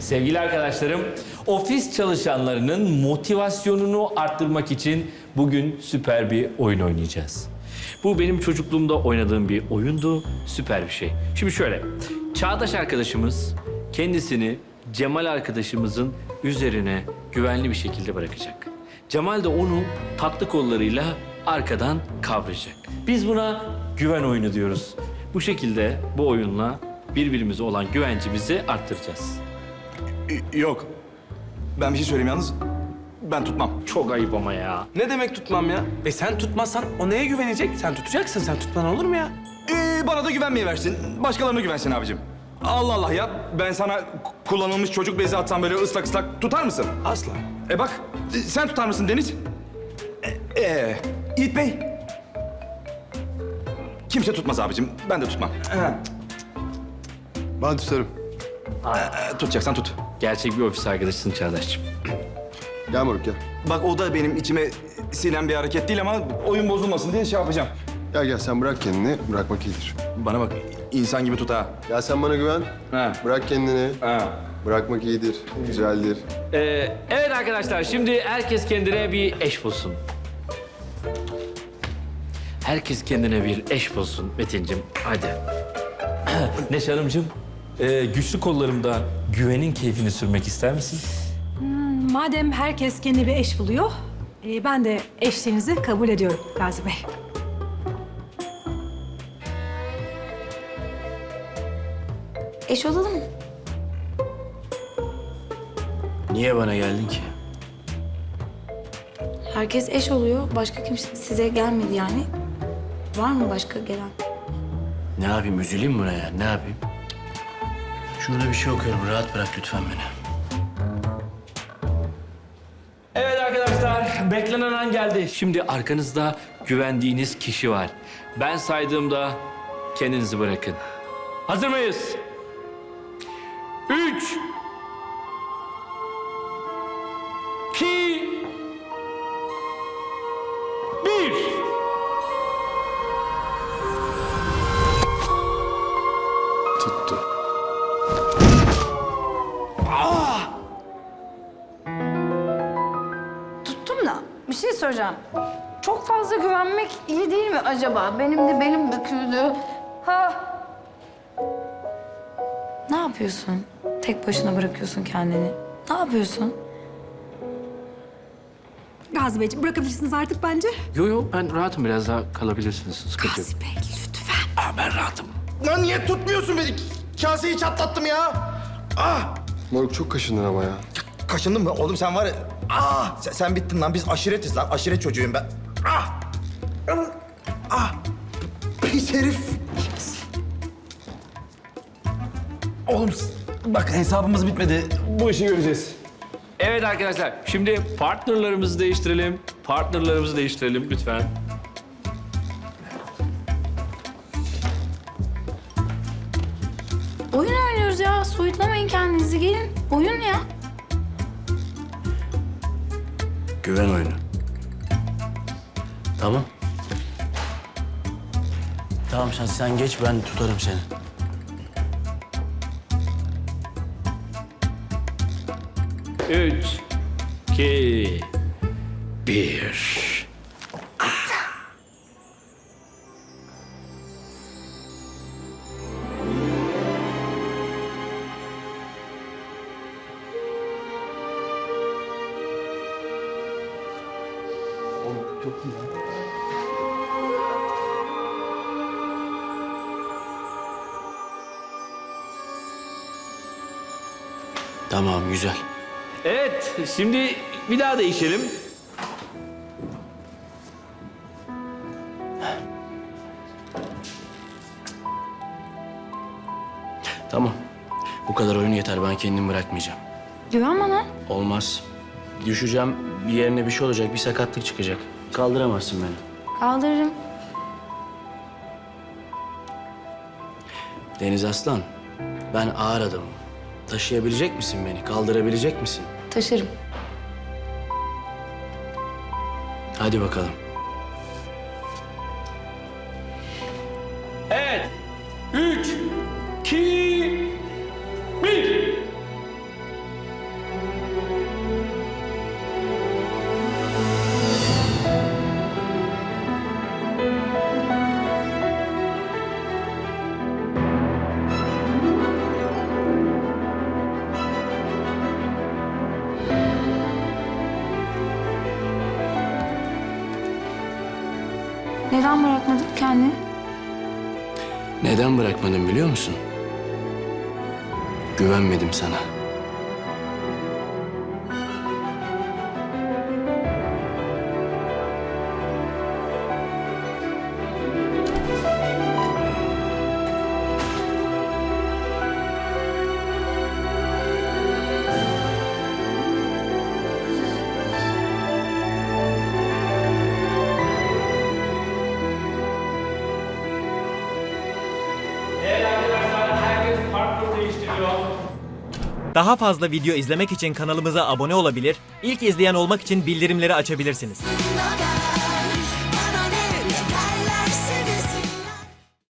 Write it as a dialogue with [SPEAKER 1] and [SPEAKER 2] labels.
[SPEAKER 1] Sevgili arkadaşlarım, ofis çalışanlarının motivasyonunu arttırmak için bugün süper bir oyun oynayacağız. Bu benim çocukluğumda oynadığım bir oyundu, süper bir şey. Şimdi şöyle, Çağdaş arkadaşımız kendisini Cemal arkadaşımızın üzerine güvenli bir şekilde bırakacak. Cemal de onu tatlı kollarıyla arkadan kavrayacak. Biz buna güven oyunu diyoruz. Bu şekilde bu oyunla birbirimize olan güvencimizi arttıracağız.
[SPEAKER 2] Yok. Ben bir şey söyleyeyim yalnız. Ben tutmam.
[SPEAKER 1] Çok ayıp ama ya.
[SPEAKER 3] Ne demek tutmam ya? Sen tutmazsan o neye güvenecek? Sen tutacaksın, sen tutman olur mu ya?
[SPEAKER 2] Bana da güvenmeyi versin. Başkalarına güvensin abicim. Allah Allah ya. Ben sana kullanılmış çocuk bezi atsam böyle ıslak ıslak tutar mısın?
[SPEAKER 3] Asla.
[SPEAKER 2] Bak sen tutar mısın Deniz? Yiğit Bey. Kimse tutmaz abicim. Ben de tutmam.
[SPEAKER 4] Ben tutarım.
[SPEAKER 2] Tutacaksan tut.
[SPEAKER 1] Gerçek bir ofis arkadaşısın Çağdaş'cığım.
[SPEAKER 4] Gel moruk gel.
[SPEAKER 2] Bak o da benim içime sinen bir hareket değil ama oyun bozulmasın diye şey yapacağım.
[SPEAKER 4] Gel sen bırak kendini. Bırakmak iyidir.
[SPEAKER 2] Bana bak insan gibi tut ha.
[SPEAKER 4] Gel sen bana güven.
[SPEAKER 2] Ha.
[SPEAKER 4] Bırak kendini.
[SPEAKER 2] Ha.
[SPEAKER 4] Bırakmak iyidir. Güzeldir.
[SPEAKER 1] Evet arkadaşlar, şimdi herkes kendine bir eş bulsun. Herkes kendine bir eş bulsun Metin'cim, hadi. Neşe Hanımcığım, güçlü kollarımda güvenin keyfini sürmek ister misin?
[SPEAKER 5] Madem herkes kendi bir eş buluyor, ben de eşliğinizi kabul ediyorum Gazi Bey.
[SPEAKER 6] Eş olalım mı?
[SPEAKER 1] Niye bana geldin ki?
[SPEAKER 6] Herkes eş oluyor. Başka kimse size gelmedi yani. Var mı başka gelen?
[SPEAKER 7] Ne yapayım, üzüleyim buna ya, ne yapayım? Şurada bir şey okuyorum, rahat bırak lütfen beni.
[SPEAKER 1] Evet arkadaşlar, beklenen an geldi. Şimdi arkanızda güvendiğiniz kişi var. Ben saydığımda kendinizi bırakın. Hazır mıyız? 3 2 1
[SPEAKER 4] Tuttu.
[SPEAKER 6] Tuttum da bir şey soracağım. Çok fazla güvenmek iyi değil mi acaba? Benim de belim büküldü. Ha. Ne yapıyorsun? Tek başına bırakıyorsun kendini. Ne yapıyorsun?
[SPEAKER 5] Gazi Beyciğim bırakabilirsiniz artık bence.
[SPEAKER 1] Yo, ben rahatım, biraz daha kalabilirsiniz, sıkıntı yok.
[SPEAKER 5] Gazi Bey lütfen.
[SPEAKER 1] Ben rahatım.
[SPEAKER 2] Lan niye tutmuyorsun beni? Kaseyi çatlattım ya. Ah!
[SPEAKER 4] Moruk çok kaşındın ama ya.
[SPEAKER 2] Kaşındın mı? Oğlum sen var ya... Ah! Sen bittin lan. Biz aşiretiz lan. Aşiret çocuğuyum ben. Ah! Ah! Pis herif. Oğlum bak hesabımız bitmedi. Bu işi göreceğiz.
[SPEAKER 1] Evet arkadaşlar, şimdi partnerlarımızı değiştirelim. Partnerlarımızı değiştirelim lütfen.
[SPEAKER 6] Oyun oynuyoruz ya. Soyutlamayın kendinizi. Gelin. Oyun ya.
[SPEAKER 7] Güven oyunu. Tamam. Tamam, sen geç, ben tutarım seni.
[SPEAKER 1] Üç, iki, bir.
[SPEAKER 7] Tamam, güzel.
[SPEAKER 1] Evet, şimdi bir daha değişelim.
[SPEAKER 7] Tamam. Bu kadar oyun yeter, ben kendimi bırakmayacağım.
[SPEAKER 6] Güven bana.
[SPEAKER 7] Olmaz. Düşeceğim, bir yerine bir şey olacak, bir sakatlık çıkacak. Kaldıramazsın beni.
[SPEAKER 6] Kaldırırım.
[SPEAKER 7] Deniz Aslan, ben ağır adamım. Taşıyabilecek misin beni, kaldırabilecek misin?
[SPEAKER 6] Taşırım.
[SPEAKER 7] Hadi bakalım.
[SPEAKER 1] Evet, üç, iki, bir.
[SPEAKER 6] Neden bırakmadın kendini?
[SPEAKER 7] Neden bırakmadım biliyor musun? Güvenmedim sana.
[SPEAKER 8] Daha fazla video izlemek için kanalımıza abone olabilir, ilk izleyen olmak için bildirimleri açabilirsiniz.